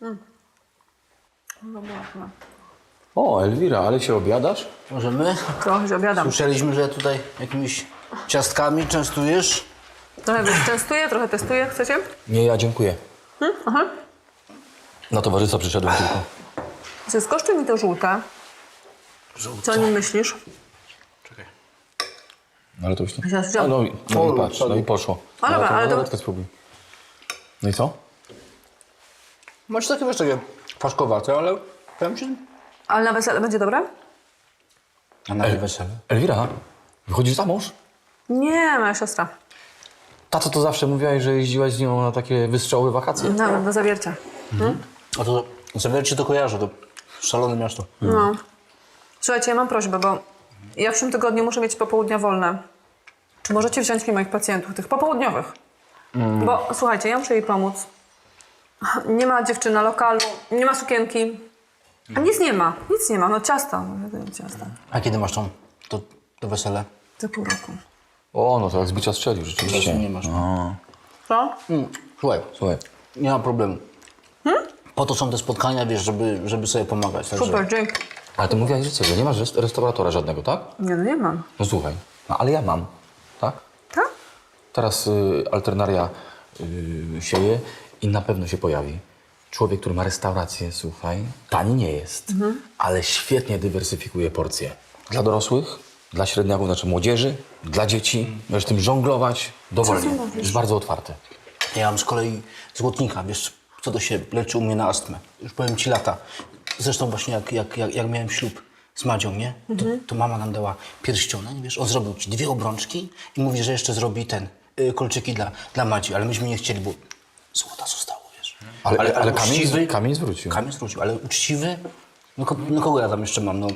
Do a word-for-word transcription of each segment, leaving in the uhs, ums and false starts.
No można. O, Elwira, ale się obiadasz? Możemy? Trochę się obiadam. Słyszeliśmy, że tutaj jakimiś ciastkami częstujesz. Trochę was testuję, trochę testuję. Chcecie? Nie, ja dziękuję. Hmm? Aha. Na towarzystwa przyszedłem tylko. Czy skosztuj mi to żółte. Żółte. Co o nim myślisz? Czekaj. No ale to już nie... Ja A, wziąłem. no, i- no O, i patrz, no i poszło. A dobra, ale to- to... spróbuj. No i co? Macie takie, wiesz, takie paszkowate, ale powiem ci... Ale na wesele będzie dobre? A na wesele? Elwira, wychodzisz za mąż? Nie, moja siostra. Tato to zawsze mówiłaś, że jeździłaś z nią na takie wystrzały wakacje. Nawet do zawiercia. A to zawiercie to kojarzę, to szalone miasto. No. Słuchajcie, ja mam prośbę, bo ja w przyszłym tygodniu muszę mieć popołudnia wolne. Czy możecie wziąć mi moich pacjentów, tych popołudniowych? Bo słuchajcie, ja muszę jej pomóc. Nie ma dziewczyny na lokalu, nie ma sukienki. A nic nie ma, nic nie ma. No ciasta, no, ciasta. A kiedy masz tą, to, to wesele? Za pół roku. O, no to jak z bicia strzelił, rzeczywiście. Właśnie nie masz. Co? Mm, słuchaj, Słuchaj, nie ma problemu. Po to są te spotkania, wiesz, żeby, żeby sobie pomagać. Także... Super, dzięki. ale ty mówiłaś, że co, że nie masz rest- restauratora żadnego, tak? Nie, no nie mam. No słuchaj, no ale ja mam, tak? Tak? Teraz y, alternaria y, sieje i na pewno się pojawi. Człowiek, który ma restaurację, słuchaj, tani nie jest, ale świetnie dywersyfikuje porcje. Dla dorosłych, dla średniaków, znaczy młodzieży, dla dzieci. Możesz tym żonglować dowolnie. ty mówisz? Jest bardzo otwarty. Ja mam z kolei złotnika, wiesz, co to się leczy u mnie na astmę. Już powiem ci lata. Zresztą właśnie jak, jak, jak, jak miałem ślub z Madzią, nie? To, to mama nam dała pierścionek, wiesz, on zrobił ci dwie obrączki i mówi, że jeszcze zrobi ten, y, kolczyki dla, dla Madzi, ale myśmy nie chcieli, bo złota zostało, wiesz. Ale, ale, ale kamień, uczciwy- kamień zwrócił. Kamień zwrócił, ale uczciwy, no, ko, no kogo ja tam jeszcze mam, no?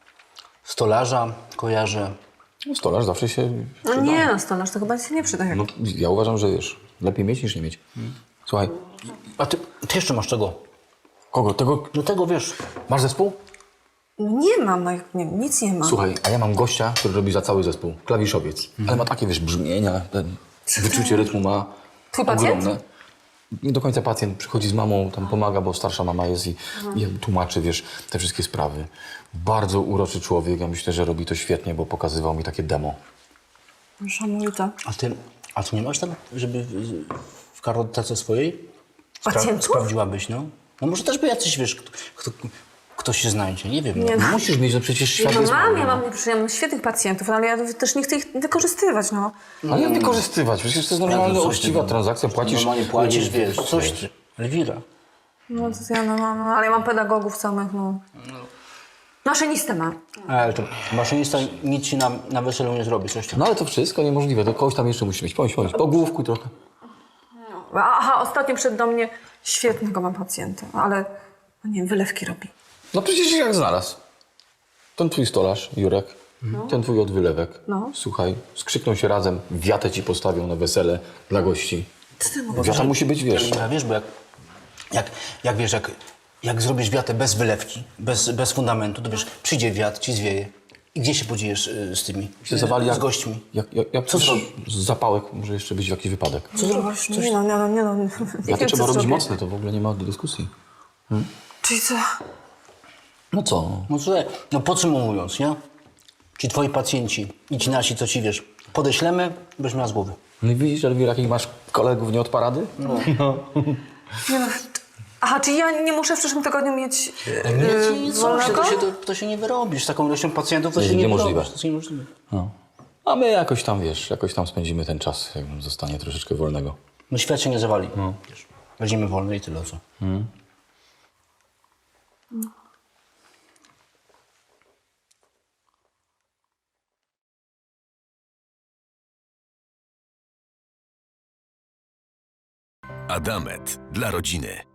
Stolarza kojarzę. No, stolarz zawsze się No przyda. nie, no stolarz to chyba się nie przyda. No, ja uważam, że wiesz, lepiej mieć niż nie mieć. Słuchaj, A ty, ty jeszcze masz czego? kogo? Tego... No tego, wiesz, Masz zespół? No nie mam, no jak- nie, nic nie mam. Słuchaj, a ja mam gościa, który robi za cały zespół. Klawiszowiec. Ale ma takie, wiesz, brzmienia, ten wyczucie rytmu ma Twój pacjent? ogromne. Nie do końca pacjent przychodzi z mamą, tam pomaga, bo starsza mama jest i, i tłumaczy, wiesz, te wszystkie sprawy. Bardzo uroczy człowiek. Ja myślę, że robi to świetnie, bo pokazywał mi takie demo. Szanowita. a ty, a ty nie masz tam, żeby w, w kartotece swojej Pacjentów? sprawdziłabyś, no? No może też by jacyś, wiesz, kto, kto, ktoś się znajdzie, nie wiem. Nie no. no. Musisz mieć, no przecież świat No jest mam, mały, ja no. mam, przecież ja mam świetnych pacjentów, ale ja też nie chcę ich wykorzystywać, no. Ale jak wykorzystywać? Przecież to jest normalna, coś ty, uczciwa no. transakcja. Płacisz... Normalnie płacisz, wiesz, coś ty. Elwira. No to ja, no, no, no, ale ja mam pedagogów samych, no. Maszynistę mam. Ale to maszynista nic ci na, na weselu nie zrobi, coś tam. No ale to wszystko niemożliwe. To kogoś tam jeszcze musi mieć. Pomyśl, pomyśl. Po główku trochę. Aha, ostatnio przed do mnie świetnego mam pacjenta, ale, no nie wiem, wylewki robi. No przecież się jak znalazł. Ten twój stolarz, Jurek, ten twój od wylewek. No. Słuchaj, skrzykną się razem, wiatę ci postawią na wesele dla gości. Co ty mówisz? Wiata musi być, wiesz, Elwira, wiesz, bo jak, jak, jak wiesz, jak, jak zrobisz wiatę bez wylewki, bez, bez fundamentu, to wiesz, przyjdzie wiatr, ci zwieje. I gdzie się podziejesz y, z tymi, się zawali z jak, gośćmi? Jak, jak, jak Co coś zrobi? z zapałek może jeszcze być jakiś wypadek. Co zrobisz? Nie no, nie no, nie no. Nie Wiatę wiem, trzeba co robić zrobię. mocne, to w ogóle nie ma dyskusji. Czyli co? No co? No słuchaj, no podsumowując, nie? Ci twoi pacjenci i ci nasi, co ci wiesz, podeślemy, byś miała z głowy. No i widzisz, Elwira, jakich masz kolegów nie od parady? Nie no. Aha, czyli ja nie muszę w przyszłym tygodniu mieć Nie, yy, ci co, się, wolnego? to, się, to, to się nie wyrobisz. Z taką ilością pacjentów to Nie, się nie niemożliwe. wyrobisz. To jest niemożliwe. No. A my jakoś tam, wiesz, jakoś tam spędzimy ten czas, jak nam zostanie troszeczkę wolnego. No świat się nie zawali. Wiesz, weźmiemy wolne i tyle, co? Adamet dla rodziny.